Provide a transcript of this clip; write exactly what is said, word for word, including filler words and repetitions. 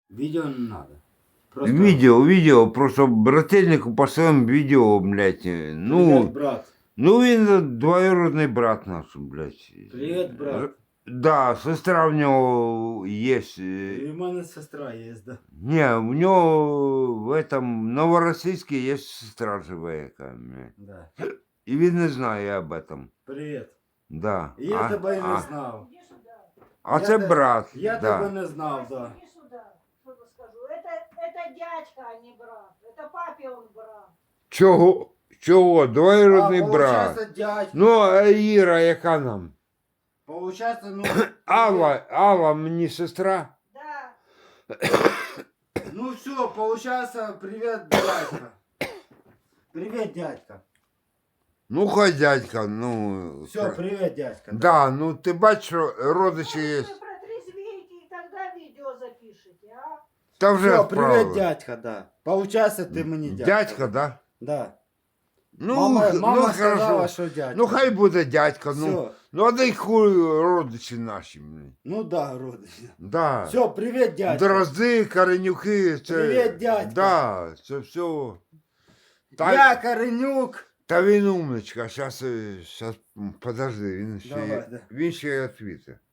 Видео не надо. Просто Видео, видео, просто брательнику послаем відео, блядь. Привет, Ну, брат. ну він двоюродний брат наш, блядь. Привет, брат. Да, сестра в нього є. І в мене сестра є, да. Не, у нього в этом Новоросійську є сестра живе, яка, блядь. Да. І він не знає об этом. Привіт. Да. І я а, тебе і не а, знав. а Я це те- брат. Я да. тебе не знав, да. Иди сюда, что я скажу. Это, это дядька, а не брат. Это папе он брат. Чого? Чого? Двоюродний а, брат. получається, дядька. Ну, а Іра, яка нам? Получається, ну... Алла, Алла мені сестра. Да. Ну все, получается, привет, дядька. Привет, дядька. Ну, хай дядька, ну. Все, кра- привет, дядька. Да, ну ти бачиш, що родичі є. Вы протрезвеете и тогда видео запишите, а? Та вже Все, привет, відправили. дядька, да. Получается, ты мне дядька. Дядька, да? Да. Ну, мама х- мама ну сказала, хорошо. что дядька. Ну хай буде дядька, ну. Все. Ну, а дай хуй родичі наші. блін. Ну да, родич. Да. Все, привет, дядька. Дрозди, Коренюки, це. Привіт, дядька. Да, це все. Та, Я Коренюк. та він умничка, щас, щас, подожди, він ще, Давай, да. він ще відповідає.